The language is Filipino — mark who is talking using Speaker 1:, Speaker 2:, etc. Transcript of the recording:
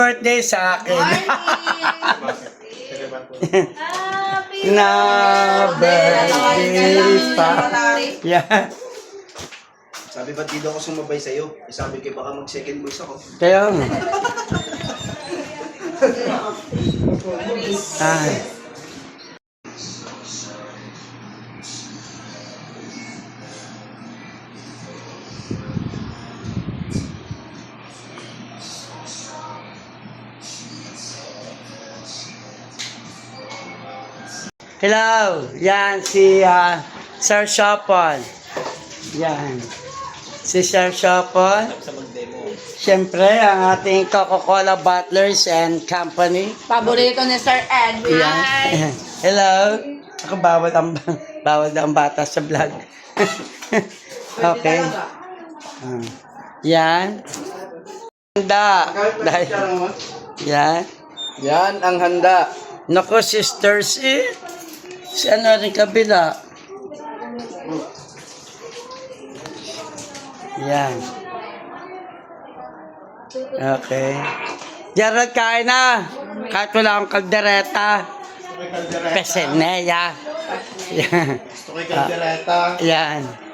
Speaker 1: Birthday sa akin.
Speaker 2: Happy
Speaker 1: Na birthday pa. Yeah.
Speaker 3: Sabi ba't di daw ako sumabay sa'yo? Sabi kayo baka mag-second voice ako.
Speaker 1: Kaya nga. Ay. Hello, yan si Sir Shopon. Yan. Si Sir Shopon. Siyempre, ang ating Coca-Cola Bottlers and Company.
Speaker 2: Paborito ni Sir Edwin.
Speaker 1: Yan. Hello. Ako bawal ang bata sa vlog. Okay. Yan. Handa. Yan.
Speaker 3: Yan ang handa.
Speaker 1: Nako, sisters eh. Si ano rin kabila. Yan. Okay. Gerald, kain na. Kahit wala akong kaldereta. Peseneya. Yan.
Speaker 3: Gusto kay kaldereta.
Speaker 1: Yan.